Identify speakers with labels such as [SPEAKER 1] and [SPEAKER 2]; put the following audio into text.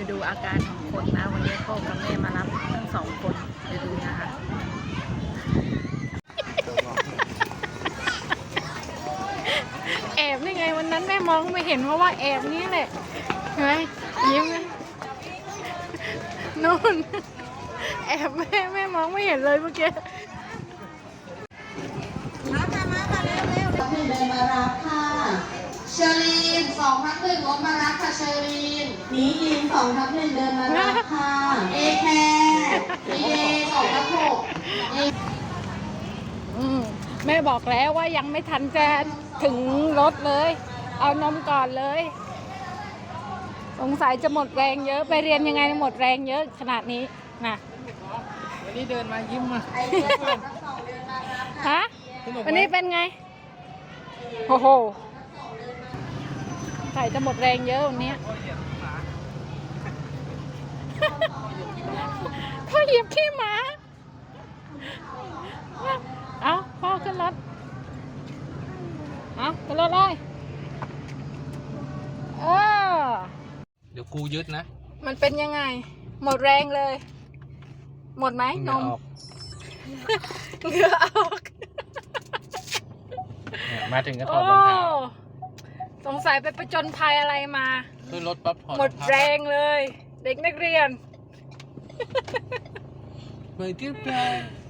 [SPEAKER 1] ดูอาการของคนนะวันนี้พ่อกับแม่มารับทั้งสองคนไปดูนะคะแอบนี่ไงวันนั้นแม่มองไม่เห็นเพราะว่าแอบนี่แหละเห็นไหมยิ้มเลยนู่นแอบแม่มองไม่เห็นเลยเมื่อกี้
[SPEAKER 2] มาเร็วๆเดินมารับค่ะเชอรีน2/1รถมารับค่ะเชอรีนนี้ยิน2/1เดินมารับค่ะเอแคร์เอ2/6
[SPEAKER 1] แม่บอกแล้วว่ายังไม่ทันจะถึงรถเลย เอานมก่อนเลยสงสัยจะหมดแรงเยอะไปเรียนยังไงหมดแรงเยอะขนาดนี้นะ
[SPEAKER 3] วันนี้เดินมายิ้มมา
[SPEAKER 1] ฮะวันนี้เป็นไงโอ้โหใส่จะหมดแรงเยอะวันนี้พ่อเหยียบขี้หมาเอาพ่อขึ้นรถเอาขึ้นรถเลย
[SPEAKER 3] เดี๋ยวกูยึดนะ
[SPEAKER 1] มันเป็นยังไงหมดแรงเลยหมดไหมนมเหงื่อออก
[SPEAKER 3] มาถึงก็ถอดรองเท้า
[SPEAKER 1] สงสัยไปประจนภัยอะไรมา
[SPEAKER 3] ขึ้นรถปั๊บถอด
[SPEAKER 1] หมดแรงเลยเด็กนักเรียน
[SPEAKER 3] เหมือนที่แปล